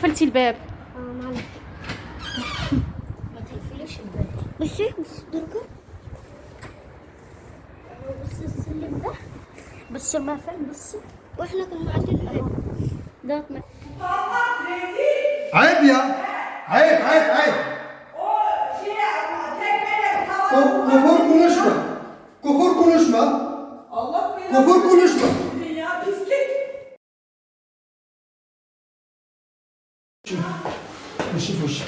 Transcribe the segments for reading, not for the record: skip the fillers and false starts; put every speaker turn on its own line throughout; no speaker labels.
قفلتي الباب؟
معلش. ما تقفليش الباب. بصي درجة. بصي السلم ده. بصي ما فين بصي. واحنا كنا قاعدين اهو. ده
عيب يا عيب عيب عيب. Kufur konuşma. Kufur konuşma.
Allah belanı.
Kufur konuşma.
Ya pislik.
Fışı.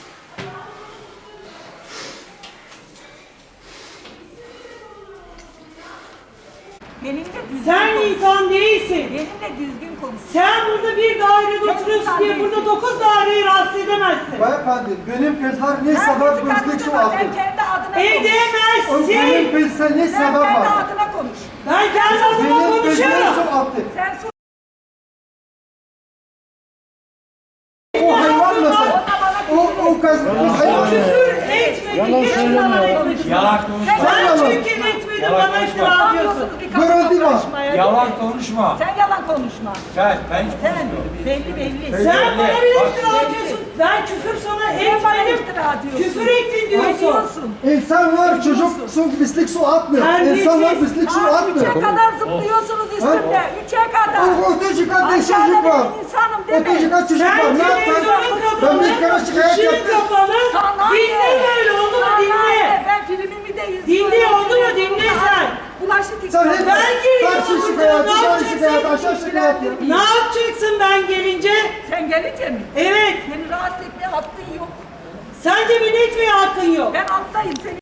Benimle düzgün
Sen
konuş.
insan değilsin.
Benimle düzgün konuş.
Sen burada bir dairede oturuyorsun diye burada 9 daireyi rahatsız edemezsin.
Beyefendi benim kızlar ne sebep gözlük su aldı?
Sen kendi adına konuş.
O benim
Edemezsin.
kızlar ne
Sen
sebep
kendi
var?
adına konuş.
Ben kendi adıma
Benim kızlar
konuşuyorum.
su attı.
Sen sus.
O hayvan nasıl? O kız o hayvan.
Küfür etmedin. Hiç bana etmedin.
Yalan konuşma.
Sen
Yalan.
çünkü etmedin bana iftira atıyorsun.
Görüldü var.
Yalan konuşma.
Sen yalan konuşma.
Ben hiç
Sen
konuşmuyorum.
belli.
Sen bana bir iftira atıyorsun. Ben küfür sana
Sen bana
etmedim.
iftira atıyorsun.
Küfür ettin diyorsun.
Diyorsun.
İnsan var çocuk su pislik su atmıyor.
Terbiyesiz.
İnsan var pislik su
Üçe
atmıyor.
kadar zıplıyorsunuz üstümde. Üçe kadar.
O öteci kat çocuk
Aşağıda
var.
benim insanım deme.
Öteci kat çocuk
Sen
var. Ne
televizyonu
yaptın? Ben bir kere
kapalı,
şikayet
ışığı
yaptım.
kapalı.
Sana
Dinle
ne?
böyle oldu mu
Sana
dinle.
ne? Ben filmimi de izliyorum.
Dinle oldu mu dinle sen.
Bulaşık
Sen hep
Ben geliyorum
karşı
burada,
şikayet,
ne
yukarı
yapacaksın?
şikayet, aşağı şikayet.
Ne yapacaksın ben gelince?
Sen gelince mi?
Evet.
Seni rahatsız etmeye hakkın yok.
Sence beni etmeye hakkın yok.
Ben alttayım. Senin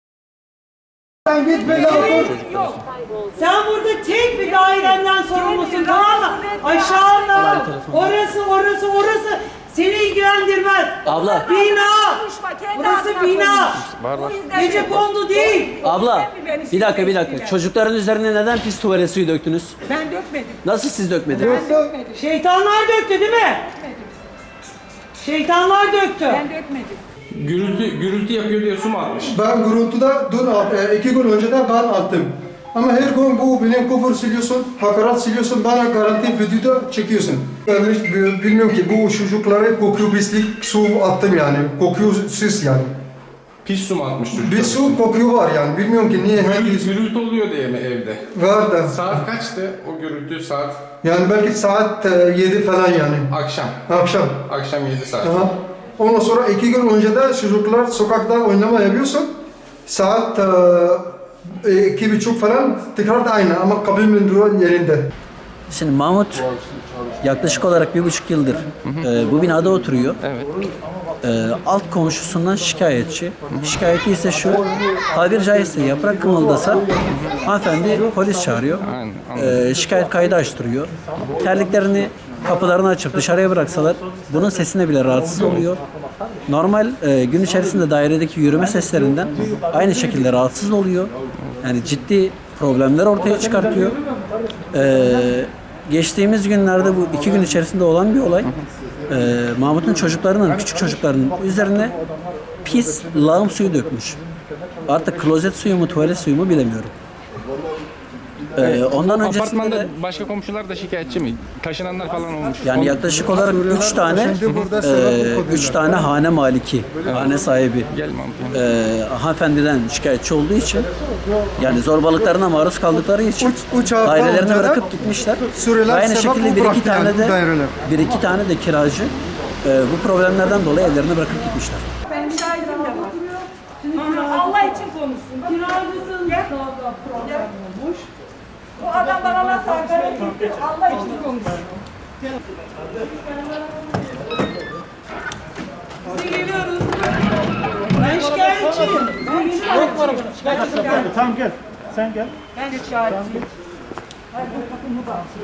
Sen git böyle otur.
yok.
Sen burada tek bir dairenden sorumlusun, tamam mı? Aşağıda, orası seni ilgilendirmez.
Abla.
Bina.
Konuşma, kendi
Burası
adına
bina.
konuş. O yüzden
Gece kondu değil.
Abla
Beni
bir dakika
sinirlendirme.
çocukların üzerine neden pis tuvalet suyu döktünüz?
Ben dökmedim.
Nasıl siz dökmediniz?
Yoksa
Şeytanlar döktü değil mi? Şeytanlar döktü.
Ben dökmedim.
Gürültü yapıyor diye su mu atmış?
ben gürültüde dün 2 gün önce de ben attım. Ama her gün bu benim küfür siliyorsun, hakaret siliyorsun, bana garanti videoda çekiyorsun. Ben hiç bilmiyorum ki bu çocuklara kokuyor pislik su attım yani. Kokuyor süs yani.
Pis su mu atmış çocuk?
Bir su kokuyor var yani. Bilmiyorum ki niye hangi
Gürültü oluyor diye mi evde?
var da.
Saat kaçtı o gürültü saat?
Yani belki saat 7 falan yani.
Akşam.
Akşam.
Akşam 7 saat.
Aha. Ondan sonra 2 gün önce de çocuklar sokakta oynama yapıyorsun. Saat 2:30 falan tekrar da aynı ama kabin duran yerinde.
Şimdi Mahmut yaklaşık olarak 1,5 yıldır bu binada oturuyor.
Evet.
Alt komşusundan şikayetçi. Şikayeti ise şu, tabiri caizse yaprak kımıldasa hanımefendi polis çağırıyor. Şikayet kaydı açtırıyor. Terliklerini kapılarını açıp dışarıya bıraksalar bunun sesine bile rahatsız oluyor. Normal gün içerisinde dairedeki yürüme seslerinden aynı şekilde rahatsız oluyor. Yani ciddi problemler ortaya çıkartıyor. Geçtiğimiz günlerde bu 2 gün içerisinde olan bir olay. Mahmut'un çocuklarının, küçük çocuklarının üzerine pis lağım suyu dökmüş. Artık klozet suyu mu, tuvalet suyu mu bilemiyorum. Ondan öncesinde
Apartmanda
de
başka komşular da şikayetçi mi? Taşınanlar falan olmuş.
yani yaklaşık olarak 3 tane hane maliki, hane sahibi
Gel Mahmut.
hanımefendiden şikayetçi olduğu için yani zorbalıklarına maruz kaldıkları için
Üç hafta
dairelerini
önce de
bırakıp gitmişler.
Suriyeliler
Aynı
sebep
şekilde
bu
bir iki
bıraktı
tane
yani
de
bu daireler.
kiracı bu problemlerden dolayı evlerini bırakıp gitmişler.
Benim şahidim de var. Allah için konuşsun.
Kiracısın daha problem olmuş.
Bu adam bana nasıl hakaret etti? Allah için konuş.
Biz geliyoruz. Ben şikayetçiyim.
Tamam gel. Sen gel.
Ben de şahitiyim.